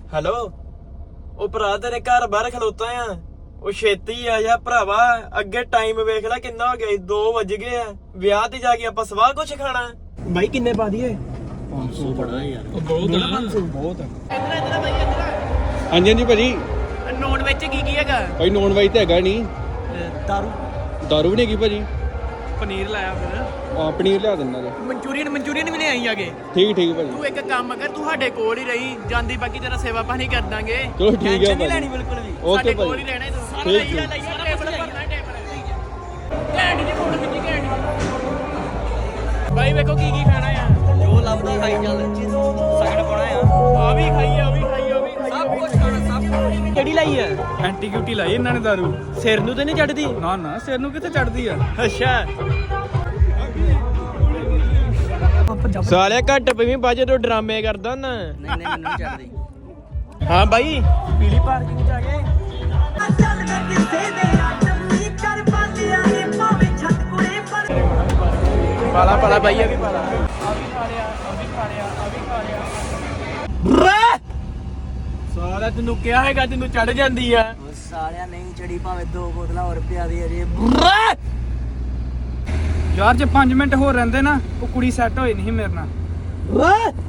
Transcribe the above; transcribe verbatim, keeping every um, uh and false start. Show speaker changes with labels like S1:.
S1: hello ਉਹ ਭਰਾ ਤੇਰੇ ਘਰ ਬਾਹਰ ਖਲੋਤਾ ਆ ਉਹ ਛੇਤੀ ਆ ਜਾ ਭਰਾਵਾ ਅੱਗੇ ਟਾਈਮ ਵੇਖ ਲੈ ਕਿੰਨਾ ਹੋ ਗਿਆ ਦੋ ਵੱਜ ਗਏ ਆ ਵਿਆਹ ਤੇ ਜਾ ਕੇ ਆਪਾਂ ਸਵਾਹ ਕੁਛ ਖਾਣਾ ਬਾਈ ਕਿੰਨੇ ਪਾ ਦਈਏ
S2: ਪੰਜ ਸੌ ਬੜਾ ਯਾਰ
S1: ਬਹੁਤ ਆ ਪੰਜ ਸੌ ਬਹੁਤ
S3: ਇਧਰ ਇਧਰ ਬਾਈ ਇਧਰ
S2: ਹਾਂਜੀ ਹਾਂਜੀ ਭਾਜੀ
S3: ਨੋਨ ਵਿੱਚ ਕੀ ਕੀ ਹੈਗਾ
S2: ਭਾਈ ਨੌਨ ਵੈਜ ਤੇ ਹੈਗਾ ਨਹੀਂ
S3: ਦਾਰੂ
S2: ਦਾਰੂ ਵੀ ਨਹੀਂ ਹੈਗੀ ਭਾਜੀ
S3: ਪਨੀਰ ਲਾਇਆ ਫਿਰ
S2: ਆ ਪਨੀਰ ਲਿਆ ਦਿੰਦਾ ਜੀ
S3: ਮਨਚੂਰੀਅਨ ਮਨਚੂਰੀਅਨ ਵੀ ਲਿਆਈ ਆਗੇ
S2: ਠੀਕ ਠੀਕ ਭਾਜੀ
S3: ਤੂੰ ਇੱਕ ਕੰਮ ਕਰ ਤੂੰ ਸਾਡੇ ਕੋਲ ਹੀ ਰਹੀ ਜਾਂਦੀ ਬਾਕੀ ਤੇਰਾ ਸੇਵਾ ਪਾਣੀ ਕਰ ਦਾਂਗੇ
S2: ਚਲੋ ਠੀਕ ਹੈ
S3: ਟੈਨਸ਼ਨ ਨਹੀਂ
S2: ਭਾਜੀ
S3: ਲੈਣੀ ਬਿਲਕੁਲ ਵੀ
S2: ਓਕੇ
S3: ਸਾਡੇ ਕੋਲ
S2: ਭਾਜੀ
S3: ਹੀ ਰਹਿਣਾ ਹੀ ਤੂੰ ਸਾਰਾ
S2: ਠੀਕ
S3: ਲਈਆ ਲਈਆ ਟੇਬਲ ਭਰਨਾ ਟੇਬਲ ਘੈਂਟ ਜੀ ਫੋਟੋ ਖਿੱਚੀ ਘੈਂਟ ਬਾਈ ਵੇਖੋ ਕੀ ਕੀ ਖਾਣਾ ਆ
S1: ਜੋ ਲੱਭਦਾ ਖਾਈ ਚੱਲ ਸਗੜ ਪਾਉਣਾ ਆ
S3: ਆ ਵੀ ਖਾਈ ਆ ਵੀ ਖਾਈ ਆ ਵੀ ਖਾਈ
S1: ਸਭ ਕੁਝ ਖਾਣਾ ਸਭ ਕੁਝ ਕਿਹੜੀ ਲਾਈ ਆ
S4: ਐਂਟੀ ਕਿਊਟੀ ਲਾਈ ਇਹਨਾਂ ਨੇ ਦਾਰੂ
S1: ਸਿਰ ਨੂੰ ਤੇ ਨਹੀਂ ਚੜਦੀ
S4: ਨਾ ਨਾ ਸਿਰ ਨੂੰ ਕਿੱਥੇ ਚੜਦੀ ਆ
S1: ਅੱਛਾ ਸਾਲਿਆ ਘੱਟ ਪਈ ਬਾਜੇ ਤੋਂ ਡਰਾਮੇ ਕਰਦਾ ਨਾ
S3: ਨਹੀਂ ਨਹੀਂ ਮੈਨੂੰ ਚੜਦੀ
S1: ਹਾਂ ਬਾਈ ਪੀਲੀ ਪਾਰਕਿੰਗ ਚ ਆ ਗਏ
S5: ਚੱਲ ਮੈਂ ਕਿਸੇ ਦੇ ਆਟਮੀ ਕਰ ਪਾਲਿਆ ਏ ਭਾਵੇਂ ਛੱਤ ਕੁੜੇ ਪਰ
S1: ਪਾਲਾ ਪਾਲਾ ਬਾਈ ਆ ਵੀ ਪਾਲਾ
S3: ਆ ਵੀ ਖਾ ਲਿਆ ਆ ਵੀ ਖਾ ਲਿਆ ਆ ਵੀ ਖਾ ਲਿਆ
S1: ਸਾਲਾ ਤੈਨੂੰ ਕਿਹਾ ਹੈਗਾ ਤੈਨੂੰ ਚੜ ਜਾਂਦੀ ਆ
S3: ਸਾਲਿਆ ਨਹੀਂ ਚੜੀ ਭਾਵੇਂ ਦੋ ਬੋਤਲਾਂ ਹੋਰ ਪਿਆ ਦੀ ਅਜੇ
S4: ਯਾਰ ਜੇ ਪੰਜ ਮਿੰਟ ਹੋਰ ਰਹਿੰਦੇ ਨਾ ਉਹ ਕੁੜੀ ਸੈੱਟ ਹੋਈ ਨਹੀਂ ਮੇਰੇ ਨਾਲ